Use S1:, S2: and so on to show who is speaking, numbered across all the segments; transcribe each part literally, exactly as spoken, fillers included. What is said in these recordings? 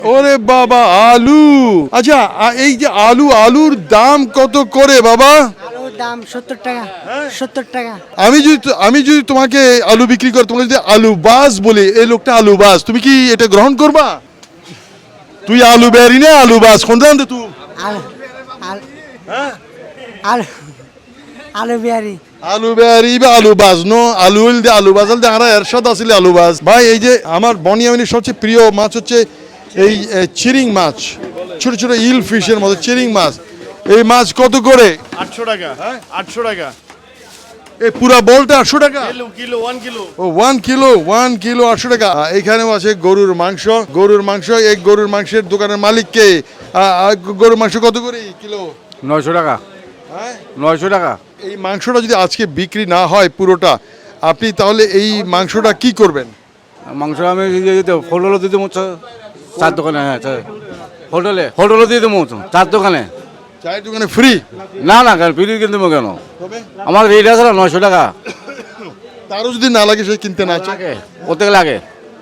S1: ওরে বাবা আলু, আচ্ছা এই যে আলু, আলুর দাম কত করে বাবা?
S2: আলুর দাম সত্তর টাকা। সত্তর টাকা।
S1: আমি যদি আমি যদি তোমাকে আলু বিক্রি করে তোমাকে যদি আলু বাস বলি, এই লোকটা আলু বাস, তুমি কি এটা গ্রহণ করবা? তুই আলু বেরি না আলু বাস কোনটা আনতে তুই?
S2: আলু আলু আলু আলু বিহারি।
S1: আলু বেরি বা আলু বাস নো আলু হইল দে আলু বাস হইল দে আর এরশাদ আসলে আলু বাস। ভাই এই যে আমার বনিয়ামিনীর সবচেয়ে প্রিয় মাছ হচ্ছে এই চিরিং মাছ, ছোট ছোট ইল ফিশের মতো চিরিং মাছ। এই মাছ কত করে?
S3: আটশো টাকা। হ্যাঁ আটশো টাকা।
S1: এই পুরা বলটা আটশো টাকা?
S3: Kilo kilo one kilo.
S1: ও ওয়ান কিলো ওয়ান কিলো আটশো টাকা। এখানেও আছে গরুর মাংস, গরুর মাংস। এই গরুর মাংসের দোকানের মালিককে, গরুর মাংস কত করে কিলো?
S4: নয়শো টাকা।
S1: হ্যাঁ
S4: নয়শো টাকা।
S1: এই মাংসটা যদি আজকে বিক্রি না হয় পুরোটা, আপনি তাহলে এই মাংসটা কি করবেন?
S4: মাংস আমি হোটেলে দিয়ে দেবো, চার দোকানে। হ্যাঁ হোটেলে হোটেলে দিয়ে দেবো চার দোকানে।
S1: চায়ের দোকানে ফ্রি?
S4: না না কেন ফ্রি কিনতে দেবো কেন? আমার রেট আছে না নয়শো টাকা।
S1: তারও যদি না লাগে সে কিনতে না চায়?
S4: লাগে ওতে লাগে,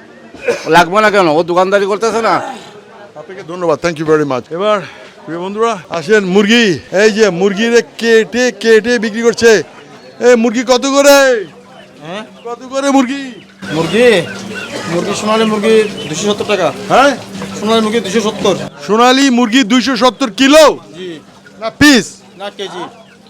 S4: লাগবে না কেন? ও দোকানদারি করতেছে না।
S1: আপনাকে ধন্যবাদ, থ্যাংক ইউ ভেরি মাচ। এবার প্রিয় বন্ধুরা আসেন, মুরগি, এই যে মুরগির কেটে কেটে বিক্রি করছে। এই মুরগি কত করে?
S3: হ্যাঁ
S1: কত করে মুরগি?
S3: মুরগি মুরগি সোনালী মুরগি দুশো সত্তর টাকা।
S1: হ্যাঁ
S3: সোনালী মুরগি দুশো সত্তর।
S1: সোনালী মুরগি দুইশো সত্তর কিলো
S3: জি
S1: না পিস?
S3: না কেজি।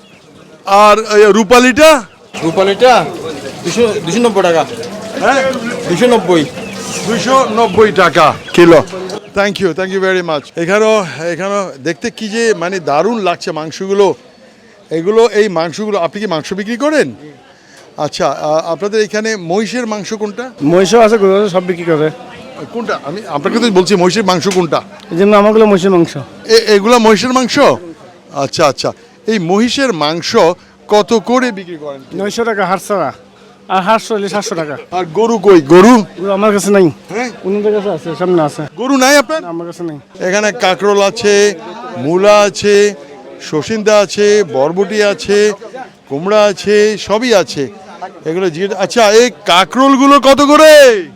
S1: আর এই রূপালিটা?
S3: রূপালিটা দুশো দুশো নব্বই টাকা।
S1: হ্যাঁ
S3: দুশো নব্বই।
S1: দুইশো নব্বই টাকা kilo. Thank you thank you very much. এখানেও এখানেও দেখতে কি যে মানে দারুণ লাগছে মাংসগুলো। এগুলো এই মাংসগুলো আপনি কি মাংস বিক্রি করেন? আচ্ছা, আহ, আপনাদের এখানে মহিষের মাংস কোনটা?
S5: মহিষও আছে, গরু আছে, সব বিক্রি করে।
S1: কোনটা? আমি আপনাকে তো বলছি মহিষের মাংস কোনটা।
S5: এই জন্য আমাগুলো মহিষের মাংস।
S1: এ- এগুলা মহিষের মাংস? আচ্ছা আচ্ছা, এই মহিষের মাংস কত করে বিক্রি করেন?
S5: নয়শো টাকা হাট ছাড়া, আর হাট হলে সাতশো টাকা।
S1: আর গরু কই? গরু
S5: গরু আমার কাছে নাই,
S1: হ্যাঁ
S5: অন্যদের কাছে আছে, সামনে আছে।
S1: গরু নাই আপনার?
S5: আমার কাছে নাই।
S1: এখানে কাঁকরোল আছে, মূলা আছে, সসিন্দা আছে, বরবটি আছে, কুমড়া আছে, সবই আছে। এগুলো জিজ্ঞেস। আচ্ছা, এই কাঁকরোলগুলো কত করে?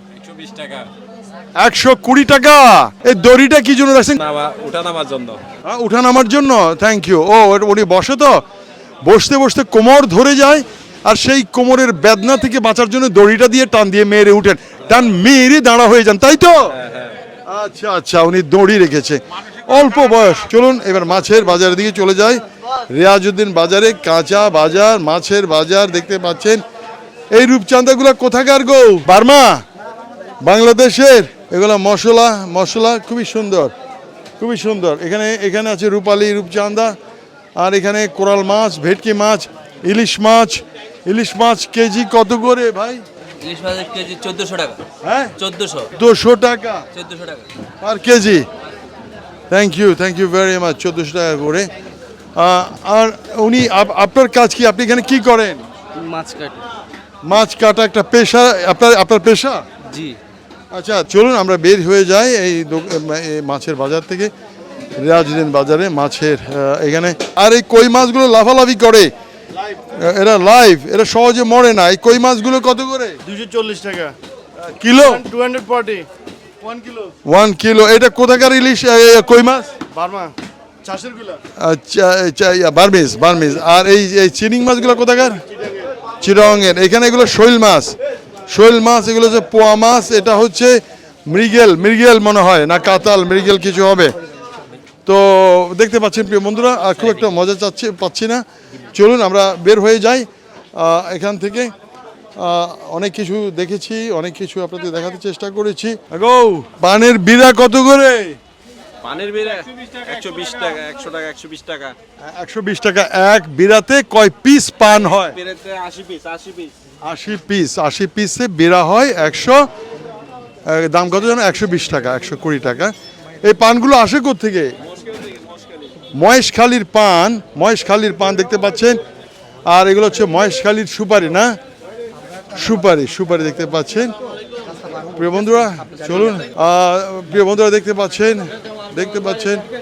S1: একশো কুড়ি টাকা। এই দড়িটা কি জন্য রাখছেন?
S6: উঠা নামার জন্য।
S1: হ্যাঁ, উঠা নামার জন্য। Thank you. ও উনি বসে তো, বসতে বসতে কোমর ধরে যায়, আর সেই কোমরের বেদনা থেকে বাঁচার জন্য দড়িটা দিয়ে টান দিয়ে মেরে উঠেন, টান মেরে দাঁড়া হয়ে যান, তাই তো? আচ্ছা আচ্ছা, উনি দড়ি রেখেছে, অল্প বয়স। চলুন এবার মাছের বাজারের দিকে চলে যাই। রিয়াজউদ্দিন বাজারে কাঁচা বাজার, মাছের বাজার দেখতে পাচ্ছেন। এই রূপচাঁদাগুলো কোথাকার গো? বার্মা, বাংলাদেশের। এগুলো মশলা মশলা খুবই সুন্দর, খুবই সুন্দর। এখানে এখানে আছে রূপালী, রূপচাঁদা, আর এখানে কোরাল মাছ, ভেটকি মাছ, ইলিশ মাছ। ইলিশ মাছ কেজি কত করে ভাই?
S7: ইলিশ মাছের কেজি চোদ্দশো টাকা।
S1: হ্যাঁ
S7: চোদ্দশো
S1: দুশো টাকা
S7: চোদ্দশো টাকা
S1: per kg. Thank you thank you very much. চোদ্দোশো টাকা করে। আহ, আর উনি আপ- আপনার কাজ কি? আপনি এখানে কি করেন?
S7: মাছ কাটি।
S1: মাছ কাটা একটা পেশা আপনার? আপনার পেশা?
S7: জি।
S1: আচ্ছা চলুন আমরা বের হয়ে যাই এই দো- এই মাছের বাজার থেকে। রিয়াজউদ্দিন বাজারে মাছের আহ, এখানে। আর এই কই মাছগুলো লাফালাফি করে, এরা লাইভ, এরা সহজে মরে না। এই কই মাছগুলো কত করে
S3: দুশো চল্লিশ টাকা
S1: kilo?
S3: Two hundred forty one kilo.
S1: One kilo. এটা কোথাকার ইলিশ এ, এ, কই মাছ?
S3: বার্মা চাষের গুলা।
S1: আচ্ছা আচ্ছা, ইয়া, বার্মিজ বার্মিজ। আর এই এই চিনিং মাছগুলো কোথাকার? চিরঙের। এখানে এগুলো শৈল মাছ, শৈল মাছ। এগুলো হচ্ছে পোয়া মাছ। এটা হচ্ছে মৃগেল, মৃগেল মনে হয়, না কাতাল, মৃগেল কিছু হবে। তো দেখতে পাচ্ছেন প্রিয় বন্ধুরা, আর খুব একটা মজা চাচ্ছি পাচ্ছি না। চলুন আমরা বের হয়ে যাই আহ, এখান থেকে। আহ, অনেক কিছু দেখেছি, অনেক কিছু আপনাদের দেখাতে চেষ্টা করেছি। গো, পানের বিড়া কত করে?
S6: পানির বেড়া একশো বিশ টাকা, একশো টাকা, একশো বিশ টাকা।
S1: একশো বিশ টাকা। এক বিড়াতে কয় পিস পান হয়?
S6: বেড়াতে আশি পিস, আশি পিস।
S1: আশি পিস। আশি পিসে বেড়া হয় একশো। দাম কত জানো? একশো বিশ টাকা, একশো কুড়ি টাকা। এই পানগুলো আসে কোত্থেকে? মহেশখালীর পান, মহেশখালীর পান দেখতে পাচ্ছেন। আর এগুলো হচ্ছে মহেশখালীর সুপারি, না? সুপারি, সুপারি দেখতে পাচ্ছেন প্রিয় বন্ধুরা। চলুন আহ, প্রিয় বন্ধুরা দেখতে পাচ্ছেন দেখতে পাচ্ছেন